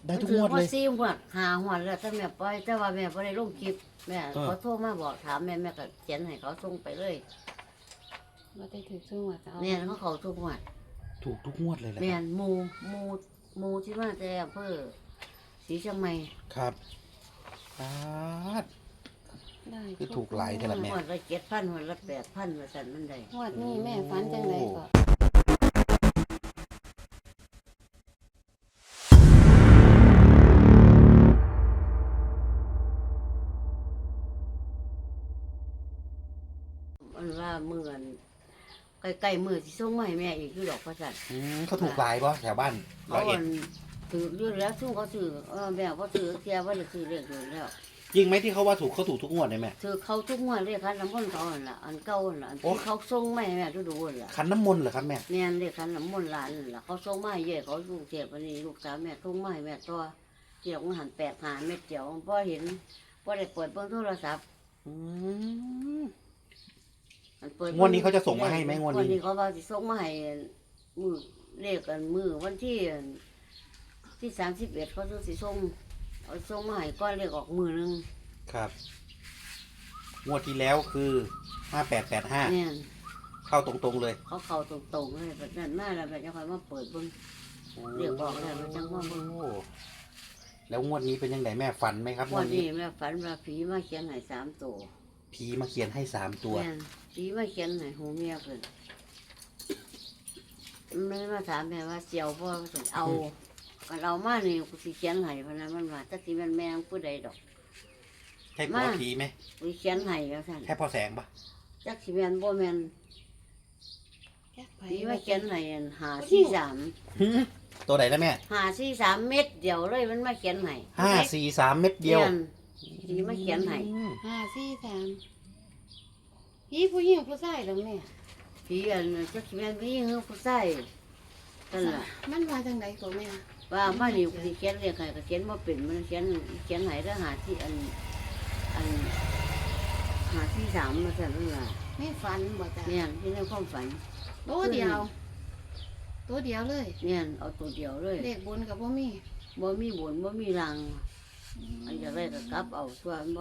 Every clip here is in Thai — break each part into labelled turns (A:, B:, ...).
A: ได้ทุกงวดเลย
B: 4 งวด5 งวดแล้วแต่แม่ปล่อยแต่ว่าแม่บ่ได้ลงคลิปแม่เขาโทรมาบอกถามแม่ก็เขียนให้เขาส่งไปเลย
C: บ่ได้ถือซุ่มว่าจะเอา
B: เนี่ยเขาทุกงวด
A: ถูกทุกงวดเลยแหละ
B: แม่นหมู่ที่มาแต่อำเภอศรีเชียงใหม่
A: ครับปาด
C: ได้
A: คือถูกหลายเท่าไหร่ แม่
B: งวดละ7,000งวดละ8,000ว่าซั่นมันได้
C: งวดนี้แม่ฝันจังไดก็
B: มันว่ามื้ออันใกล้ๆมื้อสิส่งมาให้แม่อีกอยู่ดอกว่าซั่น
A: เขาถูกหลายปะแถวบ้านร้
B: เขา
A: อยเอ็
B: อั
A: ด
B: นถืออยู่แล้วซุ่มเขาซื้อแม่บ่ซื้อเสียบ่ได้ซื้อเลขอยู่แล้ว
A: จริงไหมที่เขาว่าถูกเขาถูกทุกงวดเลยแม่
B: ถือเขาทุกงวดเลขคันน้ำมนต์เขาหั่นล่ะอันเก่าหั่นล่ะอัน
A: โอ้
B: ที่เขาส่งมาให้แม่ดูๆนั่นล่ะ
A: ขันน้ำมนต์เหรอครับแม่
B: แม่นเลขคันน้ำมนต์หลานนั่นล่ะเขาส่งมาให้เย่เขาลูกเทพอันนี้ลูกสาวแม่ส่งมาให้แม่ตัวเกี่ยวกับหัน8 5เม็ดเดียวบ่เห็นบ่ได้เปิดเบิ่งโทรศัพท์
A: อืม
B: อันเปิด
A: งวดนี้เขาจะส่งมาให้ไหมงวดนี้
B: นี้เขาว่าสิส่งมาให้มือเลขกันมือวันที่31เขาสิส่งเอาส่งมาให้ก่อนเลขออกมือหนึง
A: ครับงวดที่แล้วคือ5885
B: แม่น
A: เข้าตรงๆเลย
B: เขาเข้าตรงๆเลยแบบนั้นมาแล้วแบบจะค่อยมาเปิดเบิ่ง เรียกบอกแล้วมันจังว่าเบิ่ง
A: โอ้แล้วงวดนี้เป็นยังไงแม่ฝันไหมครับง
B: วั
A: วด
B: น
A: นี้
B: นี้แม่ฝันว่าผีมาเขียนให้3 ตัว
A: ผีมาเขียนให้3 ตัว
B: แม่นผีมาเขียนให้หูเมียเพิ่นมันมาถามแม่ว่าเจียวบ่สิเอาก็เรามานี่กูสิเขียนให้พะนะมันว่าจักสิแม่นแม่ผู้ใดดอก
A: ใช่ผัว
B: มา
A: ผีไหม
B: กูเขียนให้ว่าซั่น
A: แค่พอแสงปะ
B: จักสิแม่นบ่แม่น
C: จักไผ
B: ผีมาเขียนให้อัน543
A: หือตัวไหนแล้วแม่
B: 543เม็ดเดียวเลยมันมาเขียนให้
A: 543 เม็ดเดียว
B: แม่นผีมาเขียนให้
C: 5 4 3พี่ผู้หญิงผู้ชายแล้วแม่
B: ผีอันจักสิแม่นผู้หญิงหรือผู้ชายนั่นล่ะ
C: มันว่าจังไดก็แม่
B: ว่ามานี่กูสิเขียนเรียกให้ก็เขียนบ่เป็นมันเขียนให้แล้วหาที่อันหาที่3มาซั่นนั่นล่ะ
C: ไม่ฝันบ่จ้ะ
B: เนี่ยที่ในความฝัน
C: ตัวเดียว ตัวเดียวเลย
B: เนี่ยเอาตัวเดียวเลย
C: เลขบนกับบ่มี
B: บ่มีบนบ่มีรังอันจะได้ก็กลับเอาตัวอันบ่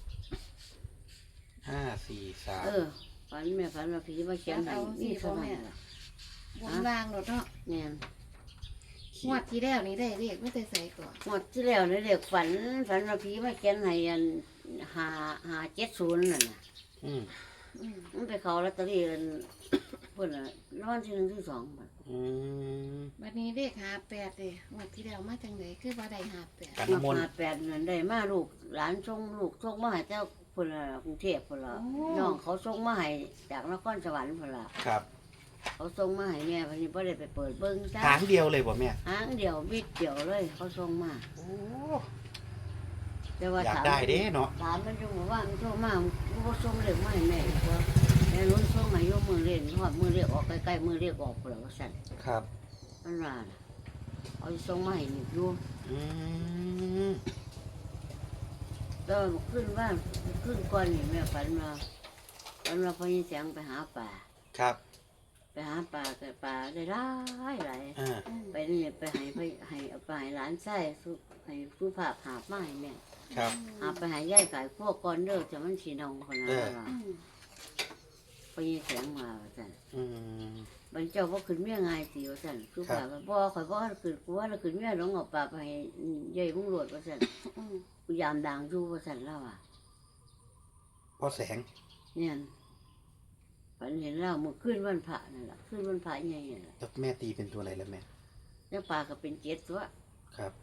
A: 543
B: ฝันแม่ฝันว่าผีมาเขียนให้นี่เท่านั้นล่ะ
C: บนล่างโดดเนาะ
B: เนี่ย
C: งวดที่แล้วนี่ได้เลขไม่ได้ใส่ก่อน
B: หมดที่แล้วนี่เด็กฝันว่าผีมาเขียนให้อัน570นั่นน่ะ
A: อืม
C: อืม
B: มันไปเข้าลอตเตอรี่อันเพิ่นน่ะรางวัลที่1ที่2บัด
A: อืม
C: บัดนี้เลข58เลยงวดที่แล้วมาจังไดคือบ่ได้58
A: กันน้ำมนต์
B: มา8นั่นได้มาลูกหลานส่งลูกส่งมาให้เจ้าพุ่นล่ะกรุงเทพพุ่นล่ะน้องเขาส่งมาให้จากนครสวรรค์พุ่นล่ะ
A: ครับ
B: เขาส่งมาให้แม่วันนี้บ่ได้ไปเปิดเบิ่งจ้า
A: หางเดียวเลยบ่แม่
B: หางเดียวบิดเดียวเลยเขาส่งมา
A: โอ้
B: แต่ว่า
A: อยากได้เด้เนาะ
B: ถามมันจังว่ามันโทรมากูบ่ส่งเลขมาให้แม่อีกว่าแม่ลุ้นส่งมาอยู่มื้อเล่นฮอดมื้อเลขออกใกล้ๆมื้อเลขออกพุ่นล่ะว่าซั่น
A: ครับ
B: มันว่าน่ะเอาส่งมาให้นี่อยู่
A: อืม
B: ก็ขึ้นบ้านขึ้นก่อนนี่แม่ฝันว่าพอยินเสียงไปหาป่า
A: ครับ
B: ไปหาป่าแต่ป่าได้หลายหลาย
A: อ่า
B: ไปนี่ไปให้เอาไปให้หลานไส้สุให้ผู้ภาพหาบมาให้แม่
A: ครับ
B: หาไปให้ยายขายพวกก้อนเด้อจะมันสีนองคนนั้นว่า
C: อืม
B: พอยินเสียงมาว่าซั่น
A: อืม
B: บรรเจ้าบ่ขึ้นเมียง่ายสิว่าซั่นผู้ภาพว่าบ่ข่อยบ่ขึ้นกูว่าเราขึ้นเมียหลงเอาป่าไปให้ยายมุงโลดว่าซั่น
C: อืม
B: กูยามดังอยู่ว่าซั่นแล้วอ่ะ
A: พอแสง
B: เนี่ยฝันเห็นเราเมื่อคืนวันพระนั่นล่ะคืนวันพระใหญ่นั่นล่ะ
A: แล้วแม่ตีเป็นตัวอะไรแล้วแม่
B: แล้วป่าก็เป็น7ตัว
A: ครับ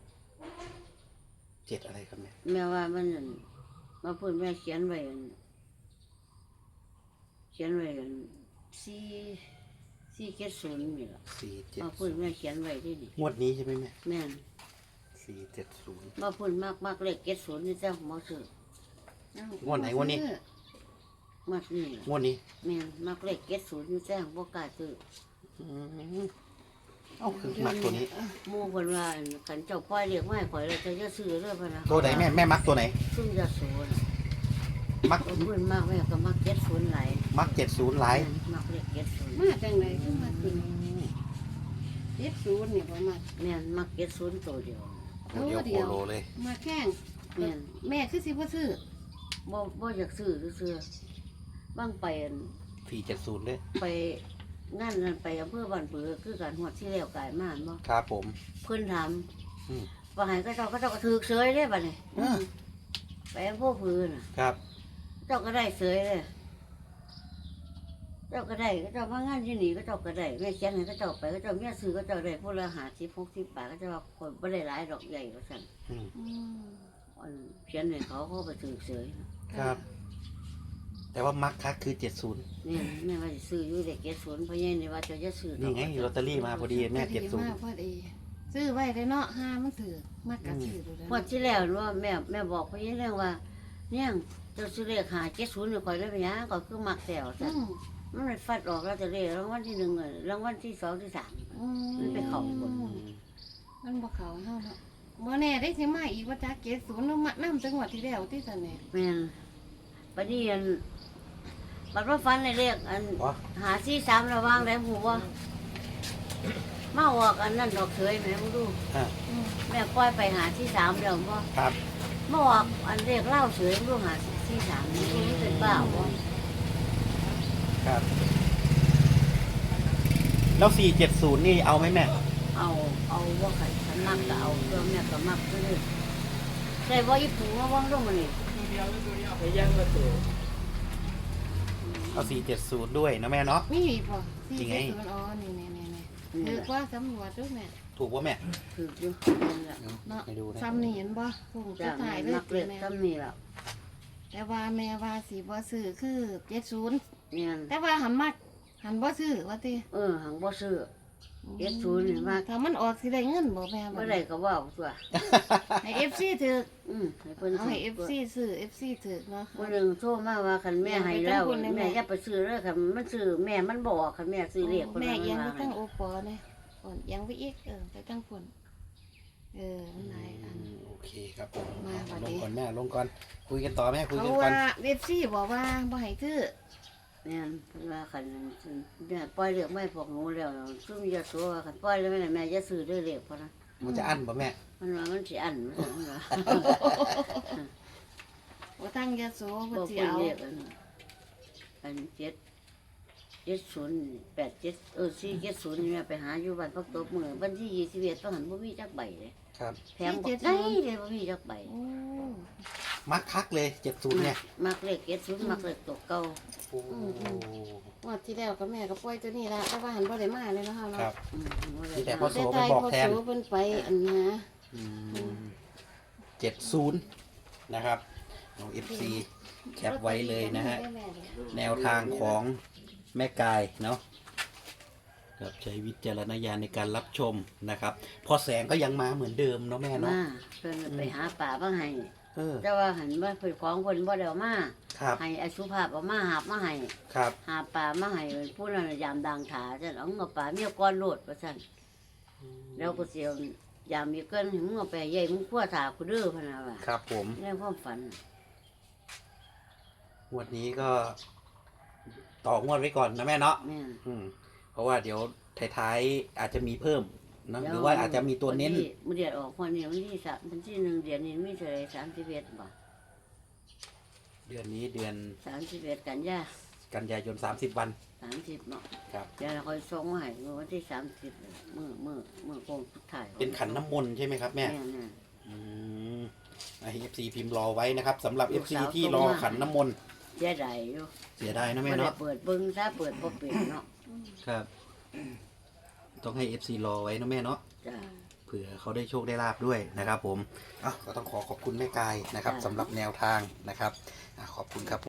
A: 7อะไรครับแม่
B: แม่ว่ามันนั่นมาเพิ่นแม่เขียนไว้อัน470นี่ล่ะมาเพิ่นแม่เขียนไว้ที่นี่
A: งวดนี้ใช่ไหมแม่
B: แม่น
A: 470
B: มาเพิ่นมักเลข70นี่จ้ะบ่ซื้อ
C: เอ้าง
A: วดไหนงวดนี้
B: มักนี่ล่ะ
A: งวดนี้
B: แม่นมักเลข70นี่จ้ะบ่กล้าซื้อ
A: อืมเอ้าคือมักตัวนี้
B: หมู่เพิ่นว่าอันคันเจ้าปล่อยเลขมาให้ข่อยแล้วจะอย่าซื้อเด้อเพิ่นน่ะ
A: ตัวไหนแม่มักตัวไหน
B: ซุ่มยาสูบน่ะ
A: มัก
B: เพิ่นมากแม่ก็มัก70หลาย
A: มัก70หลาย
B: มักเลข70
C: มาจังไดคือมาขึ้น70นี่บ่มา
B: แม่นมัก70ตัวเดียว
A: อตัวเดียวโคโลเลย
C: มาแข้ง
B: แม่น
C: แม่คือสิบ่ซื้อ
B: บ่อยากซื้อซื่อๆบ้างไปอั่น
A: 470เลย
B: ไปงานนั้นไปอำเภอบ้านผือคือการหวดที่แล้วกายมาบ่
A: ครับผม
B: เพิ่นถาม
A: อืม
B: ว่าให้ก็เจ้าก็ถือเสยเด้บัดนี้
A: อ่า
B: ไปอำเภอผือน่ะ
A: ครับ
B: เจ้าก็ได้เสยเลยเจ้าก็ได้ก็เจ้ามางานที่นี่ก็เจ้าก็ได้แม่เขียนให้ก็เจ้าไปก็เจ้าเมียซื้อก็เจ้าได้พวกละ50-60 บาทก็เจ้าว่าคนบ่ได้หลายดอกใหญ่ว่าซั่น
A: อืม
C: อืม
B: อันเขียนให้เขาไปถือเสย
A: ครับ แต่ว่ามักคักคือ 70
B: นี่แม่ว่าสิซื้ออยู่เด็ก70เพราะยันนี่ว่าเจ้าจะซื้อดอก
A: นี่ไงลอตเตอรี่มาพอดีแม่
C: พอดีพอดีซื้อไว้ได้เนาะห้ามันถือมากกะซื้อดูแล้ว
B: งวดที่แล้วว่าแม่บอกเพราะยันเรื่องว่า เนี่ยเจ้าซื้อเลข570นี่ข่อยเลยไปหยังก็คือมักแถว
C: อื
B: ซั่น
C: ม
B: มันเลยฟัดออกแล้วจะเลขรางวัลที่1อะรางวัลที่2ที่3
C: อืม
B: มันไปเข้าบน
C: มันบ่เข้าเฮาเนาะบ่แน่ได้สิมาอีกว่าจัก70นำมานำจังหวัดที่แล้วที่ซั่นแหน่
B: แม่นบัดนี้อันบัดว่าฟันในเลขอัน
A: อ๋อ
B: 543ระวังได้หูบ่มาออกอันนั้นดอกเฉยแม่บ่ดู
A: อ่า
C: อืม
B: แม่ปล่อยไป543แล้วบ่
A: ครับ
B: มาออกอันเลขเล่าเฉยบ่543นี่มันเป็นบ้าบ่
A: ครับแล้ว470นี่เอาไหมแม่
B: เอาว่าใครฉันมักก็เอาเรื่องแม่ก็มักเลยใส่ว่าอีปูมาว่างลงมานี่
A: เอา470ด้วยนะแม่เนาะ
C: มีอีกบ่
A: จริงไง
C: 40อ๋อนี่ๆๆถือว่าสำรวจดูแม่
A: ถูกป่ะแม่
B: คืออยู่นั่นแหละ
C: เนาะ
A: ให้ดูนะ
C: ซ้ำนี่เห็นบ่พุ่งจะ
B: จ้า
C: ถ่ายเล
B: แม่
C: ย
B: มักเล็ก
C: แม่
B: ซ้ำนี่แล้ว
C: แต่ว่าแม่ว่าสิบ่ซื้อคือ70
B: เนี่ย
C: แต่ว่าหันมักหันบ่ซื้อว่าติ
B: หังบ่ซื้อ 70นี่มัก
C: ถ้ามันออกสิได้เงินบ่แม่
B: บ่ได้ก็เว้าตัว
C: ให้ FC ถือ
B: ให้เพิ่น
C: เอาให้ FC ซื้อ FC ถือเนาะ
B: มื้อหนึงโทรมาว่าคันแม่ให้แล้ว
C: แม่
B: แม่อย่าไปซื้อเด้อคันมันซื้อแม่มันบ่ออกคันแม่ซื้อเลขเพิ่น
C: แม่
B: ว่า
C: เอียังไป
B: ว่า
C: ตั้งโอปอเนี่ยก่อนเอียังไปอีกไปตั้งคนมันหลายอัน
A: โอเคครับผม
C: มาบัด
A: ล
C: นี้
A: งก่อนแม่ลงก่อนคุยกันต่อแม่คุย
C: เขา
A: กันก่อ
C: ว่าน FC บอกว่าบ่ให้ซื้อ
B: เนี่ยเพิ่นว่าคันแม่ปล่อยเลขไม่พวกหนูแล้วซุ่มอย่าตัวคันปล่อยแล้วแม่อย่าซื้อเด้อเลขเพราะนะ
A: มันจะอั้นป่ะแม่
B: มันว่ามันสิอันมันว่า
C: ว่าตั้งยาโส
B: บ่
C: บ่สิ
B: เพิ่น
C: เอา
B: เรียกอัน470นี่แม่ไปหาอยู่บ้านพักตบมื้อวันที่21ต้องหันบ่มีจักใบเลย
A: ครับ
B: แถมบ่ได้เลยบ่มีจักใบ
C: โอ้
A: มักคักเลย70เนี่ย
B: มักเลข70มักเลขตัวเก่า
A: โอ้
C: งวดที่แล้วก็แม่ก็ปล่อยตัวนี้ละแต่ว่าหันบ่ได้มาเลยเนาะ
A: ครั
C: เนาะ
A: บ
B: บ่ได้
A: มีแต่พอ
C: แต่
A: โส
C: ไทย
A: บอก
C: พอ
A: แทน
C: โสเพิ่นไปอันนะ
A: 70นะครับน้อง FC แคปไว้เลยนะฮะ แนวทางของแม่กายเนาะครับใช้วิจารณญาณในการรับชมนะครับ พอแสงก็ยังมาเหมือนเดิมเนาะแม่เนาะ
B: มาเพิ่นไปหาป่าบ่ให้
A: เออ
B: แต่ว่าหันว่าเพิ่นของเพิ่นบ่ได้เอามา
A: ครับ
B: ให้อสุภาพเอามาหาบมาให้
A: ครับ
B: หาป่ามาให้ผู้นั้นยามดังถาซั่นเอาเงาป่าเมียก้อนโลดว่าซั่นแล้วก็สิเอายามมีเกินให้มึงเอาไปใหญ่มึงคั่วถากูเด้อพะนะว่า
A: ครับผม
B: ในความฝัน
A: งวดนี้ก็ต่องวดไว้ก่อนนะแม่เนาะ
B: แม่น
A: เพราะว่าเดี๋ยวท้ายๆอาจจะมีเพิ่มเนอะหรือว่าอาจจะมีตัวเน้น
B: มื้อเดือนออกวันนี้วันที่3วันที่1เดือนนี้มีเท่าไหร่31บ่
A: เดือนนี้เดือน
B: 31กันยา
A: กันยายน30 วัน
B: 30เนาะ
A: ครับ
B: เดี๋ยวเราค่อยส่งมาให้มื้อวันที่30เลยมื้อโคงสุดท้าย
A: เป็นขันน้ำมนต์ใช่ไหมครับแม่
B: น่ะ
A: อืมให้ FC พิมพ์รอไว้นะครับสำหรับ
B: ลูก
A: FC
B: สาว
A: ที่
B: ส่ง
A: รอ
B: มา
A: ขันน้ำมนต์
B: เสียดายอยู่
A: เสียดายนะ
B: บ่
A: แม่
B: ได้
A: เนาะ
B: เปิดเบิ่งซะเปิดบ่เป็นเนาะ
A: ครับ ต้องให้ FC รอไว้นะแม่เนาะ
B: จ้ะ
A: เผื่อเขาได้โชคได้ลาบด้วยนะครับผมก็ต้องขอบคุณแม่กายนะครับ
B: จ้ะ
A: สำหรับแนวทางนะครับขอบคุณครับ